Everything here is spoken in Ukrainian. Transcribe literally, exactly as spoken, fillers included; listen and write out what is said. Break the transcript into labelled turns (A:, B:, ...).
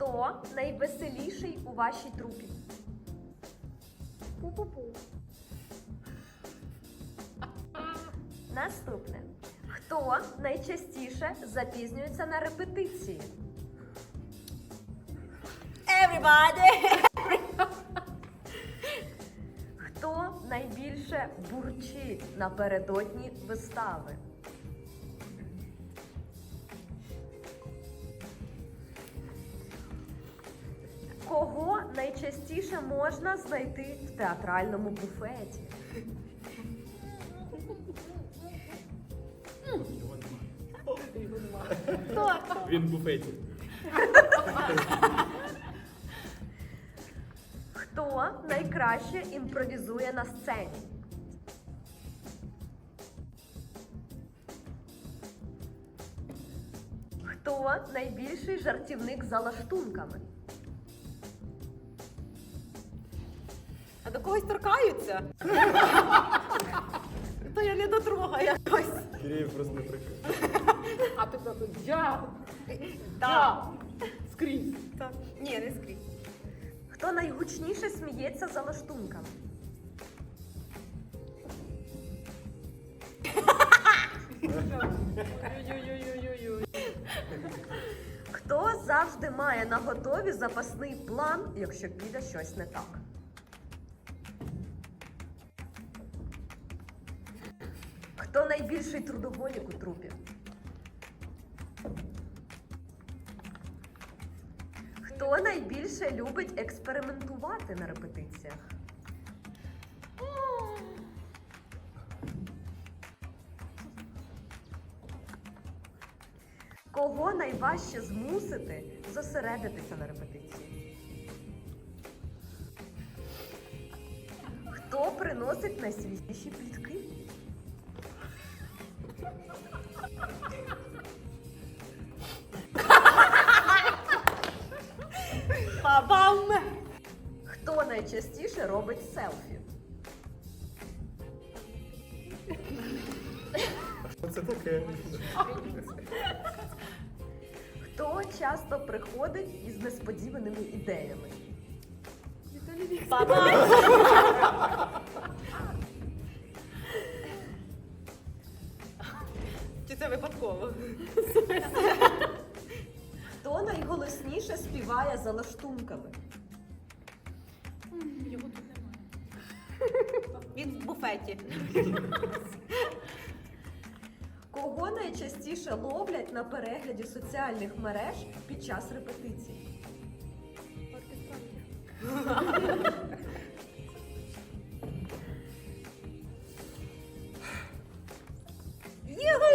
A: Хто найвеселіший у вашій трупі?
B: Пу-пу-пу.
A: Наступне. Хто найчастіше запізнюється на репетиції?
B: Everybody!
A: Хто найбільше бурчить напередодні вистави? Кого найчастіше можна знайти в театральному буфеті?
B: Хто?
C: Він в буфеті.
A: Хто найкраще імпровізує на сцені? Хто найбільший жартівник за лаштунками?
B: А до когось торкаються? То я не дотрога якось.
C: Кирєєв просто не прикрив.
B: А ти просто я. Так. Скрізь. Так. Ні, не скрізь.
A: Хто найгучніше сміється за лаштунками?
B: Ой-ой-ой-ой-ой.
A: Хто завжди має на готові запасний план, якщо піде щось не так? Хто найбільший трудоголік у трупі? Хто найбільше любить експериментувати на репетиціях? Кого найважче змусити зосередитися на репетиції? Хто приносить найсвіжіші плітки?
B: Па-бам!
A: Хто найчастіше робить селфі?
C: Що це таке?
A: Хто часто приходить із несподіваними ідеями?
B: Па-бам! Чи це випадково?
A: Хто найголосніше співає за лаштунками?
B: Його тут немає. Він в буфеті.
A: Кого найчастіше ловлять на перегляді соціальних мереж під час репетицій?
B: Його!